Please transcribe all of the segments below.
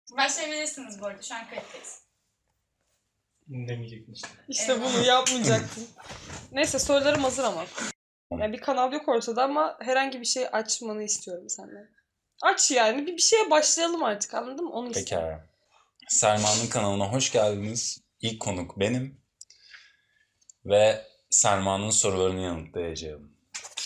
Başlayabilirsiniz bu arada. Şu an kayıttayız. Demeyecektin işte. İşte bunu yapmayacaktın. Neyse sorularım hazır ama. Yani bir kanal yok ortada ama herhangi bir şey açmanı istiyorum senden. Aç yani. Bir şeye başlayalım artık, anladın mı? Onu istiyorum. Pekala. Selma'nın kanalına hoş geldiniz. İlk konuk benim. Ve Selma'nın sorularını yanıtlayacağım.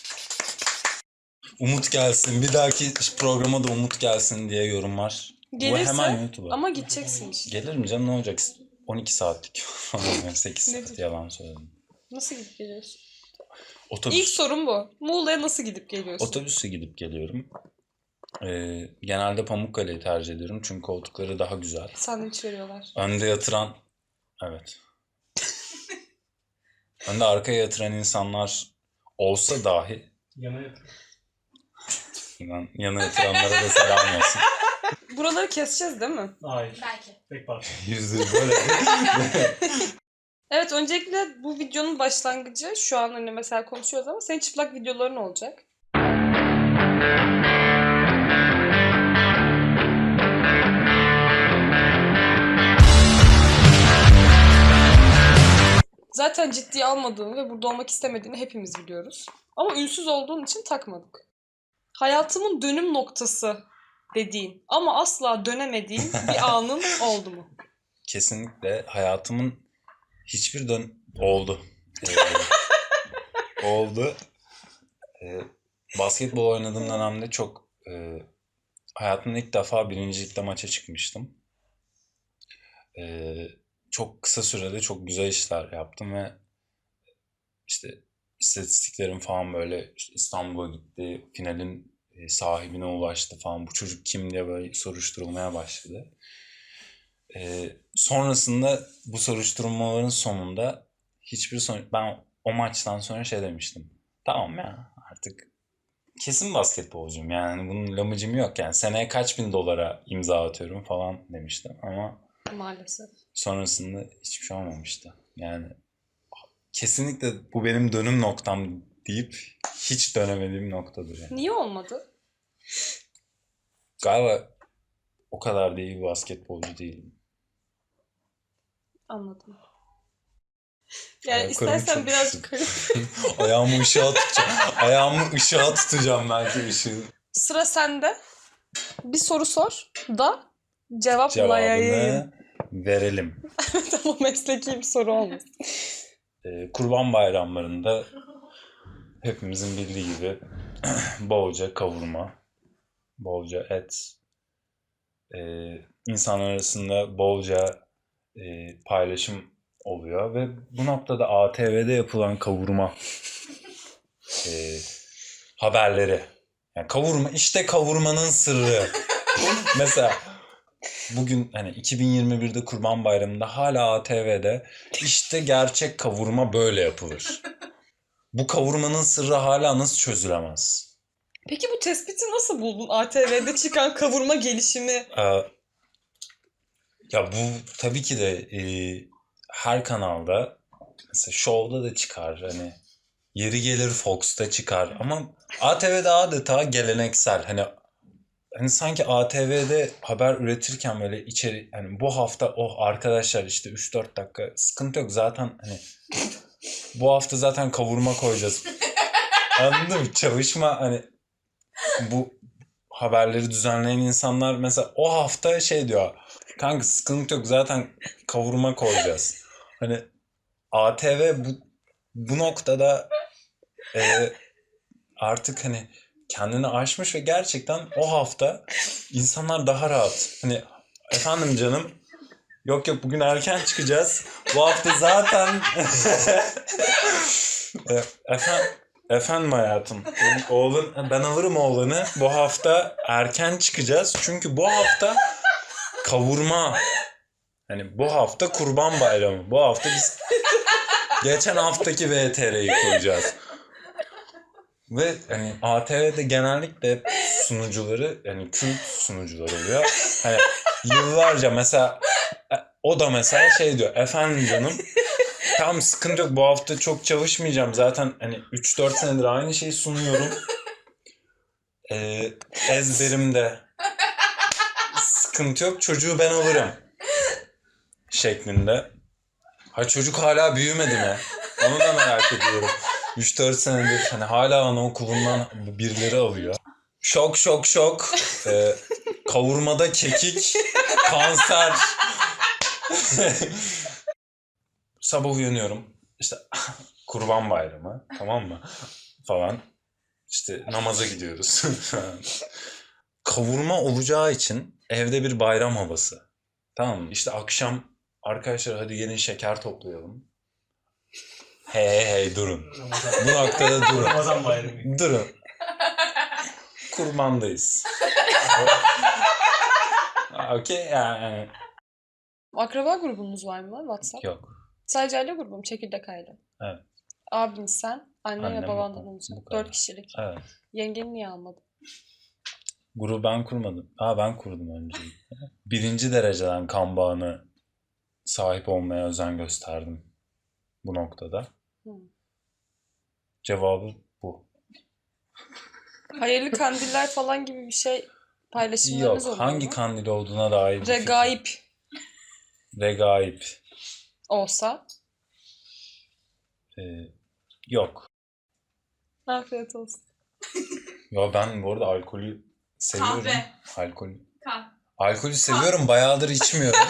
Umut gelsin. Bir dahaki programa da Umut gelsin diye yorum var. Gelirse, bu hemen YouTube'a. ama gideceksin işte. Gelir mi canım, ne olacak? 12 saatlik falan. 8 Ne saat yalan söyledim. Nasıl gidip geliyorsun? Otobüs. İlk sorum bu. Muğla'ya nasıl gidip geliyorsun? Otobüsle gidip geliyorum. Genelde Pamukkale'yi tercih ediyorum çünkü koltukları daha güzel. Sandviç veriyorlar. Önde yatıran, evet. Önde arkaya yatıran insanlar olsa dahi, Yana yatır. yana yatıranlara da selam olsun. Buraları keseceğiz değil mi? Hayır. Belki. Tek parça. %100 böyle. Evet, öncelikle bu videonun başlangıcı, şu an hani mesela konuşuyoruz ama senin çıplak videoların olacak. Zaten ciddiye almadığını ve burada olmak istemediğini hepimiz biliyoruz. Ama ünsüz olduğun için takmadık. Hayatımın dönüm noktası dediğin ama asla dönemediğin bir anın oldu mu? Kesinlikle hayatımın hiçbir oldu. Oldu. Basketbol oynadığım dönemde çok hayatımda ilk defa birincilikte maça çıkmıştım. Çok kısa sürede çok güzel işler yaptım ve işte istatistiklerim falan böyle işte İstanbul'a gitti, finalin sahibine ulaştı falan. Bu çocuk kim diye böyle soruşturulmaya başladı. Sonrasında bu soruşturmaların sonunda ben o maçtan sonra şey demiştim. Tamam ya, artık kesin basketbolcuyum, yani bunun lamıcım yok, yani seneye kaç bin dolara imza atıyorum falan demiştim ama Maalesef. sonrasında hiçbir şey olmamıştı. Yani kesinlikle bu benim dönüm noktam deyip hiç dönemediğim noktadır yani. Niye olmadı? Galiba o kadar da iyi bir basketbolcu değilim. Anladım. Yani Ayaklarım istersen çok birazcık Ayağımı ışığa tutacağım belki ışığı. Sıra sende. Bir soru sor da cevaplayayım. Cevabını verelim. Ama mesleki bir soru olmaz. Kurban bayramlarında hepimizin bildiği gibi bolca kavurma, bolca et, insanlar arasında bolca paylaşım oluyor ve bu noktada ATV'de yapılan kavurma haberleri. Yani kavurma, işte kavurmanın sırrı. Mesela bugün hani 2021'de Kurban Bayramı'nda hala ATV'de işte gerçek kavurma böyle yapılır. Bu kavurmanın sırrı hala nasıl çözülemez? Peki bu tespiti nasıl buldun? ATV'de çıkan kavurma gelişimi. Ya bu tabii ki de her kanalda, mesela Show'da da çıkar, hani yeri gelir Fox'ta çıkar ama ATV'de adeta geleneksel, hani sanki ATV'de haber üretirken böyle içeri, hani bu hafta arkadaşlar işte 3-4 dakika sıkıntı yok zaten, hani bu hafta zaten kavurma koyacağız. Anladın mı? Çalışma, hani bu haberleri düzenleyen insanlar mesela o hafta şey diyor. Kanka sıkıntı yok zaten kavurma koyacağız. Hani ATV bu noktada artık hani kendini aşmış ve gerçekten o hafta insanlar daha rahat. Hani efendim canım, yok bugün erken çıkacağız. Bu hafta zaten efendim hayatım. Ben alırım oğlanı. Bu hafta erken çıkacağız. Çünkü bu hafta kavurma. Hani bu hafta Kurban Bayramı. Bu hafta biz geçen haftaki VTR'yi koyacağız. Ve hani ATV'de genellikle sunucuları, yani kült sunucular oluyor. Hani yıllarca mesela o da mesela şey diyor. Efendim canım, tamam sıkıntı yok bu hafta çok çalışmayacağım. Zaten hani 3-4 senedir aynı şeyi sunuyorum. Ezberimde. sıkıntı yok, çocuğu ben alırım şeklinde. Ha çocuk hala büyümedi mi? Onu da merak ediyorum. 3-4 senedir hani hala anaokulundan birileri alıyor. Şok şok şok. Kavurmada kekik, kanser. Sabah uyanıyorum. İşte Kurban Bayramı, tamam mı? Falan. İşte namaza gidiyoruz. Kavurma olacağı için evde bir bayram havası. Tamam mı? İşte akşam arkadaşlar hadi gelin şeker toplayalım. Hey durun. Bu noktada durun. Ramazan bayramı. Durun. Kurbandayız. Okey yani. Akraba grubunuz var mı WhatsApp? Yok. Sadece aile grubu mu? Çekirdek aile. Evet. Abin sen, annen Annem, ve babandan babam. olacak. Bu kadar. 4 kişilik. Evet. Yengeni niye almadın? Grubu ben kurmadım. Ben kurdum önce. Birinci dereceden kan bağını sahip olmaya özen gösterdim bu noktada. Hı. Cevabı bu. Hayırlı kandiller falan gibi bir şey paylaşımlarınız Yok. oluyor Hangi mu? kandil olduğuna dair bir fikrim. Regaip Regaip. olsa. Yok. Afiyet olsun. Ya ben bu arada alkolü seviyorum. Kahve. Alkolü seviyorum. Bayağıdır içmiyorum.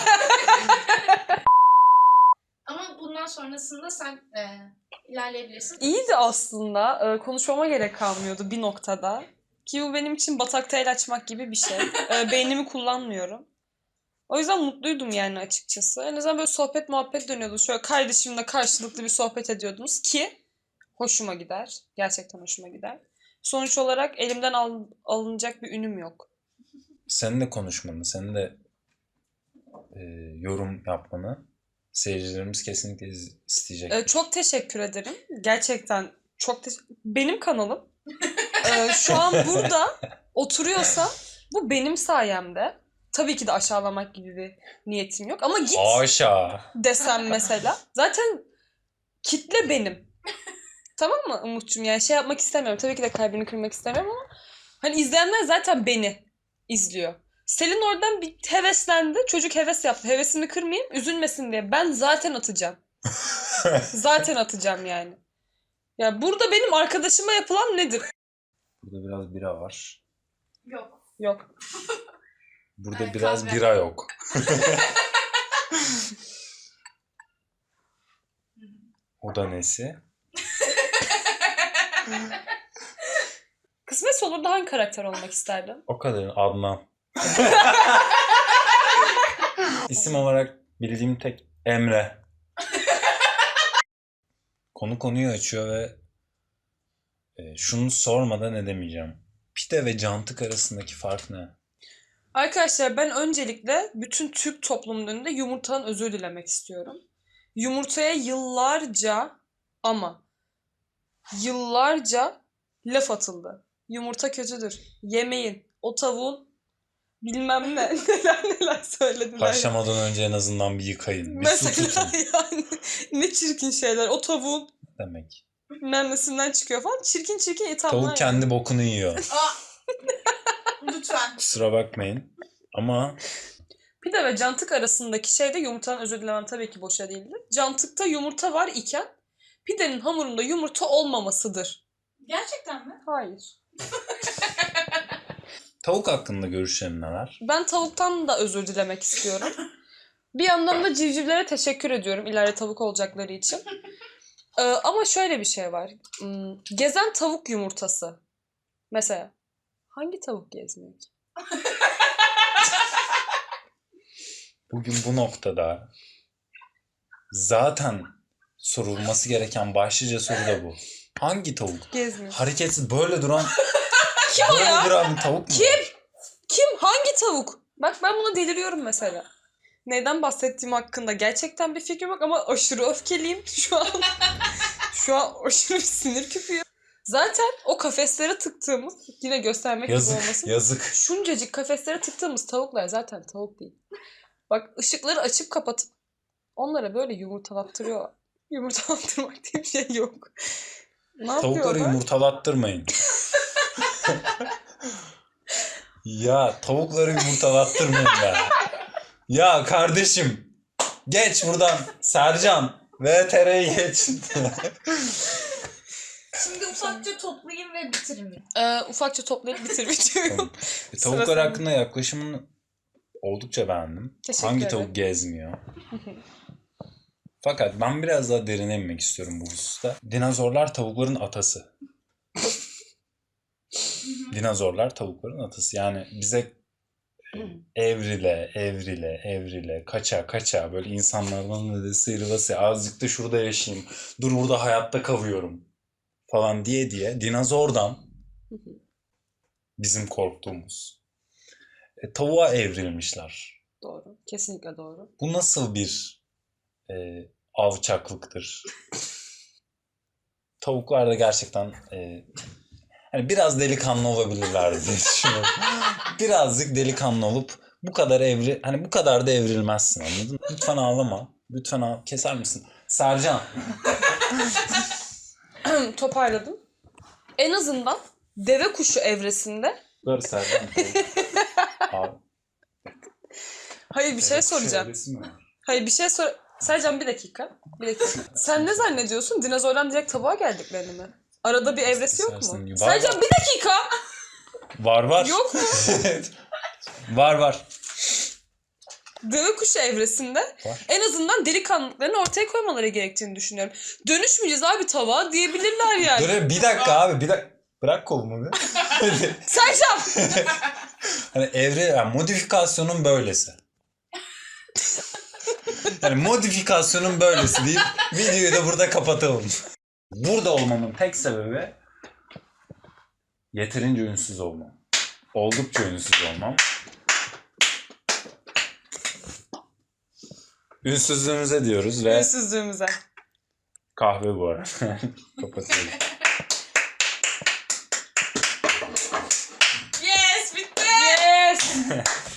Ama bundan sonrasında sen ilerleyebilirsin. İyiydi aslında. Konuşmama gerek kalmıyordu bir noktada. Ki bu benim için batakta el açmak gibi bir şey. Beynimi kullanmıyorum. O yüzden mutluydum yani açıkçası. En azından böyle sohbet muhabbet dönüyordu. Şöyle kardeşimle karşılıklı bir sohbet ediyordunuz ki hoşuma gider. Gerçekten hoşuma gider. Sonuç olarak elimden alınacak bir ünüm yok. Senin de konuşmanı, senin de yorum yapmanı seyircilerimiz kesinlikle isteyecek. Çok teşekkür ederim. Gerçekten çok benim kanalım. Şu an burada oturuyorsa bu benim sayemde. Tabii ki de aşağılamak gibi bir niyetim yok. Ama git Haşa. desem mesela. Zaten kitle benim. Tamam mı Umut'cum? Yani şey yapmak istemiyorum. Tabii ki de kalbini kırmak istemiyorum ama hani izleyenler zaten beni izliyor. Selin oradan bir heveslendi. Çocuk heves yaptı. Hevesini kırmayayım, üzülmesin diye. Ben zaten atacağım. Zaten atacağım yani. Ya burada benim arkadaşıma yapılan nedir? Burada biraz bira var. Yok. Yok. Burada Evet, biraz kahve. bira yok. O da nesi? Kısmetse olur da hangi karakter olmak isterdin? O kadar Adnan. İsim olarak bildiğim tek Emre. Konu konuyu açıyor ve şunu sormadan edemeyeceğim. Pide ve cantık arasındaki fark ne? Arkadaşlar ben öncelikle bütün Türk toplumunun önünde yumurtadan özür dilemek istiyorum. Yumurtaya yıllarca laf atıldı. Yumurta kötüdür. Yemeyin. O tavuğun bilmem ne neler söylediler. Haşlamadan önce en azından bir yıkayın. Bir su Mesela tutun yani ne çirkin şeyler. O tavuğun demek. bilmem nesinden çıkıyor falan. Çirkin ithamlar. Tavuk kendi bokunu yiyor. Lütfen. Kusura bakmayın. Ama Pide ve cantık arasındaki şey de yumurtadan özür dilemem tabii ki boşa değildir. Cantıkta yumurta var iken pidenin hamurunda yumurta olmamasıdır. Gerçekten mi? Hayır. tavuk hakkında görüşlerin neler? Ben tavuktan da özür dilemek istiyorum. Bir yandan da civcivlere teşekkür ediyorum ileride tavuk olacakları için. Ama şöyle bir şey var. Gezen tavuk yumurtası. Mesela hangi tavuk gezmiyor ki? Bugün bu noktada zaten sorulması gereken başlıca soru da bu. Hangi tavuk? Gezmiyor. Hareketsiz böyle duran Kim o ya? duran bir tavuk mu? Kim? Hangi tavuk? Bak ben buna deliriyorum mesela. Neyden bahsettiğim hakkında gerçekten bir fikrim yok ama aşırı öfkeliyim şu an. Şu an aşırı bir sinir küpüyor. Zaten o kafeslere tıktığımız, yine göstermek gibi Yazık, olmasın. yazık. Şuncacık kafeslere tıktığımız tavuklar zaten tavuk değil. Bak ışıkları açıp kapatıp onlara böyle yumurtalattırıyorlar. Yumurtalattırmak diye bir şey yok. Ne Tavukları yapıyorlar? yumurtalattırmayın. Ya tavukları yumurtalattırmayın ya. Ya kardeşim geç buradan Sercan. VTR'yi geç. Şimdi ufakça toplayayım ve bitireyim. Ufakça toplayıp bitir videoyu. Tavuklar Sırasını. hakkında yaklaşımını oldukça beğendim. Teşekkür Hangi ederim. tavuk gezmiyor? Fakat ben biraz daha derine inmek istiyorum bu hususta. Dinozorlar tavukların atası. Dinozorlar tavukların atası. Yani bize evrile, kaça böyle insanlardan da sıyrılası azıcık da şurada yaşayayım. Dur burada hayatta kavuyorum falan diye dinozordan bizim korktuğumuz tavuğa evrilmişler. Doğru. Kesinlikle doğru. Bu nasıl bir alçaklıktır? Tavuklar da gerçekten hani biraz delikanlı olabilirler diye düşünüyorum. Birazcık delikanlı olup bu kadar bu kadar da evrilmezsin, anladın mı? Lütfen ağlama. Lütfen keser misin? Sercan. Toparladım. En azından deve kuşu evresinde Dur Sercan. Abi, hayır bir şey soracağım. evresi mi var? Hayır bir şey sor. Sercan bir dakika. Bir dakika. Sen ne zannediyorsun? Dinozordan direkt tavuğa geldiklerini mi? Arada bir evresi yok mu? Var, Sercan var. bir dakika. Var. Yok mu? Var. Deve kuşu evresinde Var. en azından delikanlılıklarını ortaya koymaları gerektiğini düşünüyorum. Dönüşmeyeceğiz abi tavuğa diyebilirler yani. Dur bir dakika abi bir dakika. Bırak kolumu bir. Sercan! Hani yani modifikasyonun böylesi. Yani modifikasyonun böylesi deyip videoyu da burada kapatalım. Burada olmamın tek sebebi yeterince ünsüz olmam. Oldukça ünsüz olmam. Ünsüzlüğümüze diyoruz ve Ünsüzlüğümüze. kahve bu arada. Kapatıyorum. Yes bitti. Yes!